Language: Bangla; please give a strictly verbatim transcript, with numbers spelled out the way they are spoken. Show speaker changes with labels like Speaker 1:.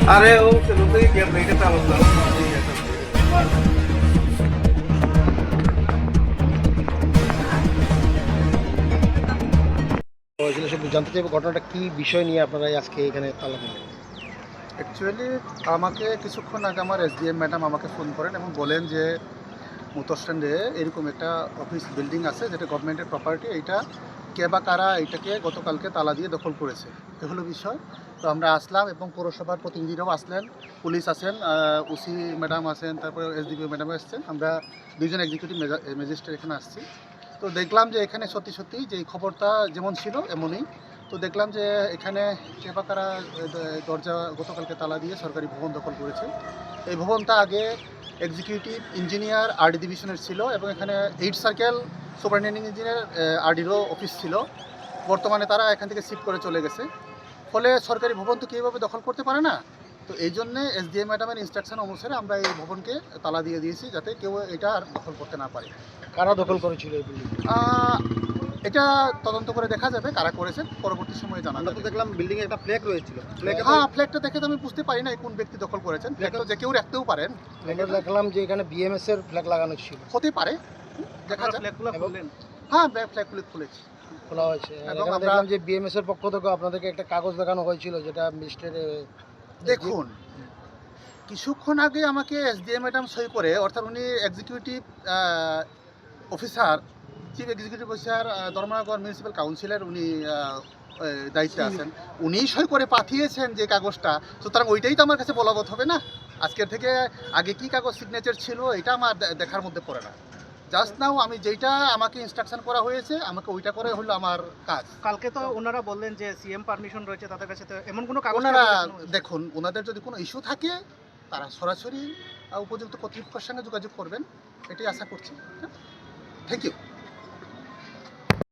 Speaker 1: अरे वो चलो तो ये नहीं करता मतलब
Speaker 2: হয়েছিল সেটা জানতে চাইবো ঘটনাটা কি বিষয় নিয়ে আপনারা আজকে এখানে তালা দিলেন।
Speaker 3: অ্যাকচুয়ালি আমাকে কিছুক্ষণ আগে আমার এসডিএম ম্যাডাম আমাকে ফোন করেন এবং বলেন যে মোটর স্ট্যান্ডে এরকম একটা অফিস বিল্ডিং আছে যেটা গভর্নমেন্টের প্রপার্টি, এইটা কে বা কারা এটাকে গতকালকে তালা দিয়ে দখল করেছে, এ হলো বিষয়। তো আমরা আসলাম এবং পৌরসভার প্রতিনিধিরাও আসলেন, পুলিশ আছেন, ওসি ম্যাডাম আছেন, তারপরে এসডিপিও ম্যাডাম আসছেন, আমরা দুইজন এক্সিকিউটিভ ম্যাজিস্ট্রেট এখানে আসছি। তো দেখলাম যে এখানে সত্যি সত্যি যে এই খবরটা যেমন ছিল এমনই। তো দেখলাম যে এখানে কে বা কারা দরজা গতকালকে তালা দিয়ে সরকারি ভবন দখল করেছে। এই ভবনটা আগে এক্সিকিউটিভ ইঞ্জিনিয়ার আরডি ডিভিশনের ছিল এবং এখানে এইট সার্কেল সুপারিনটেন্ডিং ইঞ্জিনিয়ার আরডিরও অফিস ছিল। বর্তমানে তারা এখান থেকে শিফট করে চলে গেছে। ফলে সরকারি ভবন তো কীভাবে দখল করতে পারে না। তো এই জন্যে এসডিএম ম্যাডামের ইনস্ট্রাকশন অনুসারে আমরা এই ভবনকে তালা দিয়ে দিয়েছি যাতে কেউ এটা আর দখল করতে না পারে।
Speaker 2: কারা দখল করেছিল এই বিল্ডিং?
Speaker 3: এটা তদন্ত করে দেখা যাবে কারা করেছেন, পরবর্তী সময়ে জানা যাবে।
Speaker 2: দেখলাম বিল্ডিং এ একটা ফ্ল্যাগ রয়েছিল।
Speaker 3: হ্যাঁ, ফ্ল্যাগটা দেখে তো আমি বুঝতে পারি না কোন ব্যক্তি দখল করেছেন। ফ্ল্যাগটা যে কেউ রাখতেও পারেন।
Speaker 2: আমরা দেখলাম যে এখানে বিএমএস এর ফ্ল্যাগ লাগানো ছিল।
Speaker 3: হতে পারে, দেখা যাক।
Speaker 2: ফ্ল্যাগগুলো খুললেন?
Speaker 3: হ্যাঁ, ফ্ল্যাগগুলো খুলেছি,
Speaker 2: খোলা হয়েছে।
Speaker 3: এবং
Speaker 2: আমরা
Speaker 3: আমরা
Speaker 2: দেখলাম যে বিএমএস এর পক্ষ থেকে আপনাদেরকে একটা কাগজ দেখানো হয়েছিল যেটা মিস্টার
Speaker 3: দেখুন কিছুক্ষণ আগে আমাকে এসডিএম ম্যাডাম সই করে, অর্থাৎ উনি executive officer, chief executive officer Dharmanagar municipal কাউন্সিলের উনি দায়িত্বে আছেন, উনি সই করে পাঠিয়েছেন যে কাগজটা। সুতরাং ওইটাই তো আমার কাছে বলবৎ হবে না। আজকের থেকে আগে কি কাগজ সিগনেচার ছিল এটা আমার দেখার মধ্যে পড়ে না। জাস্ট নাও আমি যেইটা আমাকে ইনস্ট্রাকশন করা হয়েছে আমাকে ওইটা করে হলো আমার কাজ।
Speaker 4: কালকে তো ওনারা বললেন যে সিএম পারমিশন রয়েছে তাদের কাছে, তো এমন কোনো কাগজ?
Speaker 3: ওনারা দেখুন, ওনাদের যদি কোনো ইস্যু থাকে তারা সরাসরি উপযুক্ত কর্তৃপক্ষের সঙ্গে যোগাযোগ করবেন, এটাই আশা করছি। Thank you.